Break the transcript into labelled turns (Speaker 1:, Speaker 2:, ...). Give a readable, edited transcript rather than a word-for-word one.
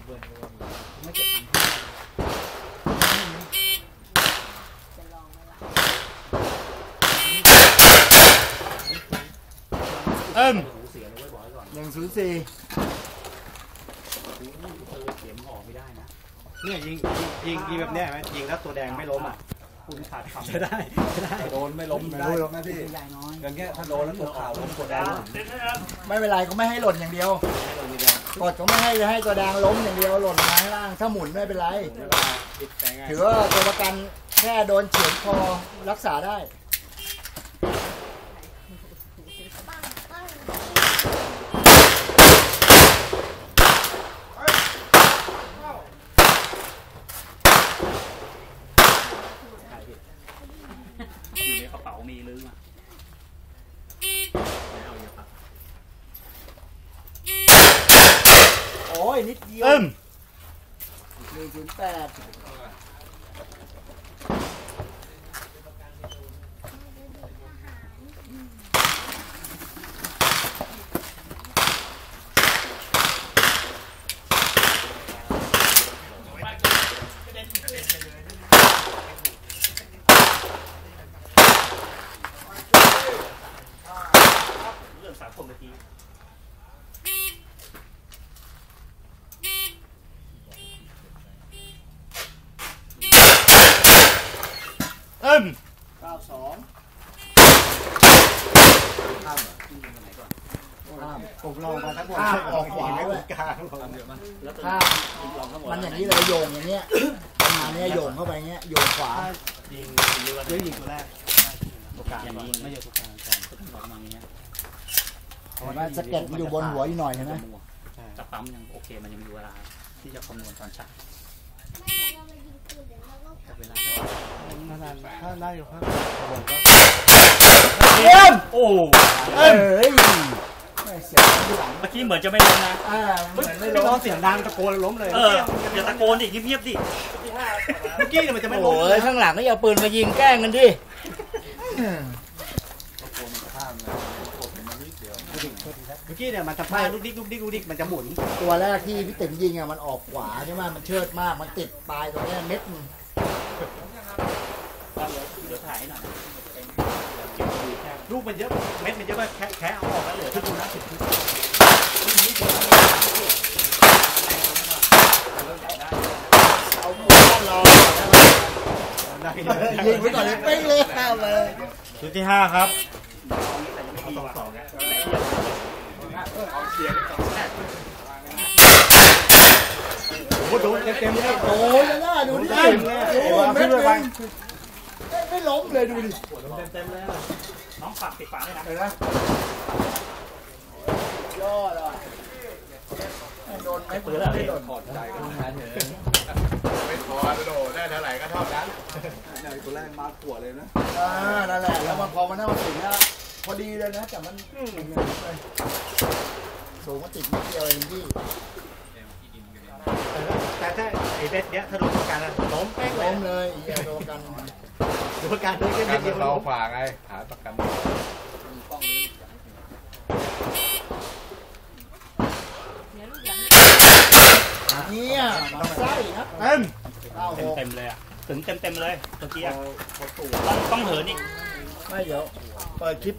Speaker 1: ไม่เก็บ
Speaker 2: 104
Speaker 1: เนี่ยยิงแบบเนี้ยไหมยิงแล้วตัวแดงไม่ล้มอ่ะคุณขาดคำจะได้โดนไม่ล้มไม่รู้หรอกนะพี่อย่างเงี้ยถ้าโดนแล้วตัวขาวล้มตัวแดง
Speaker 2: ไม่เป็นไรก็ไม่ให้หล่นอย่างเดียวกดก็ไม่ให้ตัวแดงล้มอย่างเดียวหล่นมาข้างล่างถ้าหมุนไม่เป็นไรถือว่าตัวประกันแค่โดนเฉือนคอรักษาได้
Speaker 3: อยู่ในกระเป๋ามีลืมอ่ะ
Speaker 2: โอ้ยนิดเดียว108
Speaker 1: ผมลองมาทั้งหมด
Speaker 2: ออกขวาด้วย
Speaker 1: กลาง
Speaker 2: มันอย่างนี้เลยโยงอย่างเงี้ยประมาณนี้โยงเข้าไปเงี้ยโยงขวา
Speaker 1: ยิงตัวแรกตัวกลางอย่างนี้ไม่ใช่ตัวกลางประมาณนี้
Speaker 2: ว่าสเก็ตอยู่บนหัวอยู่หน่อยใช่ไหม
Speaker 3: จะปั๊มยังโอเคมันยังมีเวลาที่จะคำนวณตอนฉากเวลา
Speaker 1: ถ้าได้อยู่ครับผมก็
Speaker 3: โอ้เมื่อกี้เหมือนจะไม่ล้มนะ
Speaker 2: ไม่ล้ม
Speaker 1: เสียงดังตะโกนล้มเลย
Speaker 3: อย่าตะโกนดิเงียบๆดิ
Speaker 1: เมื่อกี้มันจะไม่ล้ม
Speaker 2: เลยข้างหลังก็เอาปืนมายิงแกล้งกันดิ
Speaker 1: เมื่อกี้เนี่ยมันจะพลาดลูกดิ๊กมันจะหมุน
Speaker 2: ตัวแรกที่พี่ติ๋มยิงอ่ะมันออกขวาใช่ไหมมันเชิดมากมันติดปลายตรงนี้เม็ดนึง
Speaker 3: เดี๋ยวถ่ายหน่อย
Speaker 1: ลูกมันเยอะเม็ดมันเยอะมากแค่เอาออกแล้วเหลือที่ดูนะ
Speaker 2: เอาหมูรอยิงไว้ก่อนเลยเป้งเลยข้าวเลย
Speaker 3: ชุดที่5ครับ
Speaker 1: โอ้โหเต็มเลย
Speaker 2: โอ้ยน่าดูดิไม่ล้มเลยดูดิ
Speaker 1: เต็มเลย
Speaker 3: น้องฝากติดฝาด้วยนะ
Speaker 2: ยอดอ่ะโดนไม่
Speaker 1: เปิดไม่โดนถอดใจกัน
Speaker 4: ไม่พอโดดได้เท่าไหร่ก็เท่านั้น
Speaker 1: ตัวแรกมาขวดเลยนะ
Speaker 2: นั่นแหละแล้วมันพอมันน่ามาถึงนะพอดีเลยนะแต่มันสูงมันติดนิดเดียวเองพี่
Speaker 1: แต่ถ้าไอ้เบ็ดเนี้ยถ้าโดนตัวการล้มเป้ง
Speaker 2: ล้มเลยโดนกัน
Speaker 1: ตัวการเลย
Speaker 4: การมันเราขวาไงหาประกัน
Speaker 2: เนี่ยมันไส้นะ
Speaker 3: เต็มเลยอ่ะถึงเต็มเลยเมื่อกี้ต้องเหินอีก
Speaker 2: ไม่เดี๋ยวเปิดคลิป